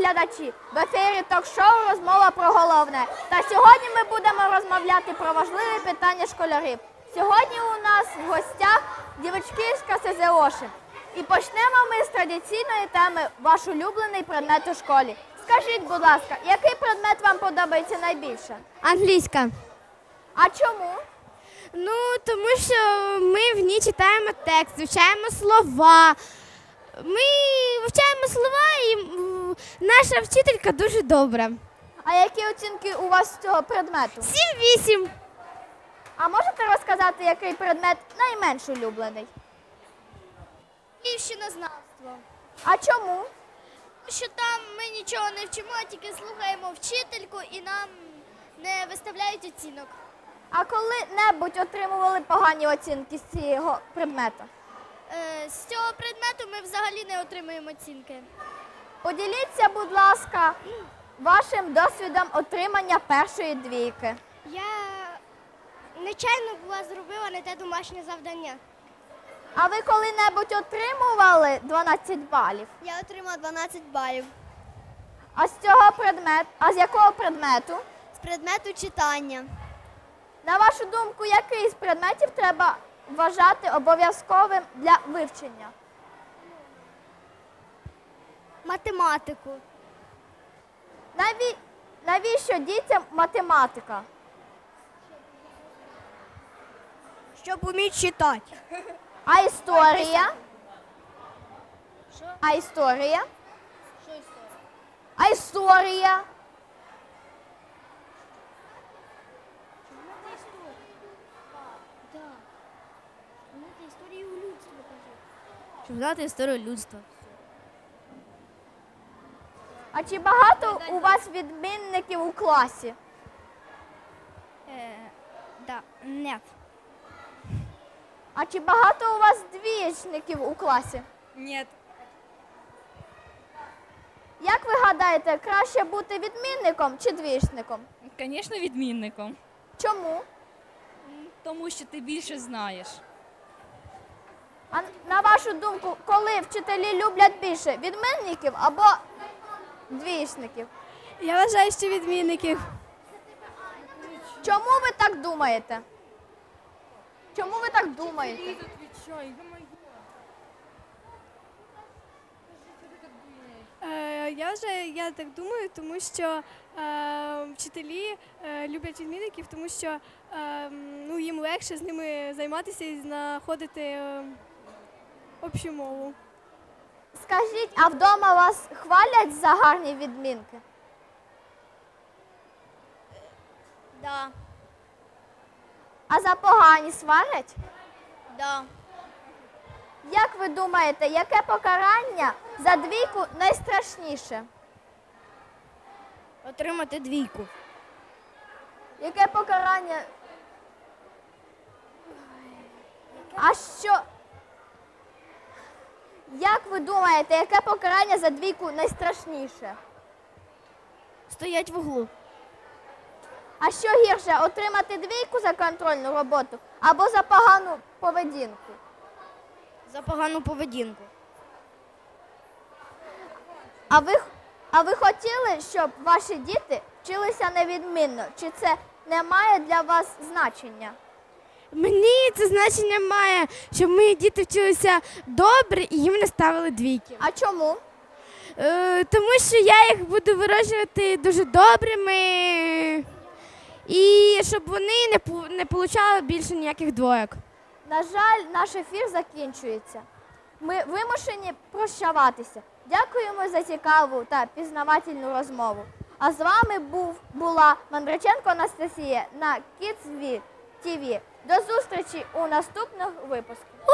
глядачі! В ефірі ток-шоу «Розмова про головне». Та сьогодні ми будемо розмовляти про важливі питання школярів. Сьогодні у нас в гостях дівчатська СЗОші. І почнемо ми з традиційної теми «Ваш улюблений предмет у школі». Скажіть, будь ласка, який предмет вам подобається найбільше? Англійська. А чому? Ну, тому що ми в ній читаємо текст, вивчаємо слова. Ми вивчаємо слова і наша вчителька дуже добра. А які оцінки у вас з цього предмету? 7-8. А можете розказати, який предмет найменш улюблений? Лівщинознавство. А чому? Що там ми нічого не вчимо, тільки слухаємо вчительку і нам не виставляють оцінок. А коли-небудь отримували погані оцінки з цього предмету? З цього предмету ми взагалі не отримуємо оцінки. Поділіться, будь ласка, вашим досвідом отримання першої двійки. Я нечайно зробила не те домашнє завдання. А ви коли-небудь отримували 12 балів? Я отримала 12 балів. А з якого предмету? З предмету читання. На вашу думку, який з предметів треба вважати обов'язковим для вивчення? Математику. Навіщо дітям математика? Щоб вміти читати. А історія? Що? А історія? Що історія? А історія? Щоб знати історію людства. А чи багато у вас відмінників у класі? Да, нет. А чи багато у вас двічників у класі? Нет. Як ви гадаєте, краще бути відмінником чи двічником? Звісно, відмінником. Чому? Тому що ти більше знаєш. А на вашу думку, коли вчителі люблять більше відмінників або двічників? Я вважаю, що відмінників. Чому ви так думаєте? Чому ви так думаєте? Я так думаю, тому що вчителі люблять відмінників, тому що їм легше з ними займатися і знаходити общу мову. Скажіть, а вдома вас хвалять за гарні відмінки? Да, А за погані сварять? да. Як ви думаєте, яке покарання за двійку найстрашніше? Отримати двійку. Яке покарання? А що? Як ви думаєте, яке покарання за двійку найстрашніше? Стоять в углу. А що гірше, отримати двійку за контрольну роботу або за погану поведінку? За погану поведінку. А ви хотіли, щоб ваші діти вчилися невідмінно? Чи це не має для вас значення? Мені це значення має, щоб мої діти вчилися добре і їм не ставили двійки. А чому? Тому що я їх буду вирощувати дуже добрими і щоб вони не отримали більше ніяких двоєк. На жаль, наш ефір закінчується. Ми вимушені прощаватися. Дякуємо за цікаву та пізнавательну розмову. А з вами була Мандриченко Анастасія на Kids TV. До зустрічі у наступних випусках.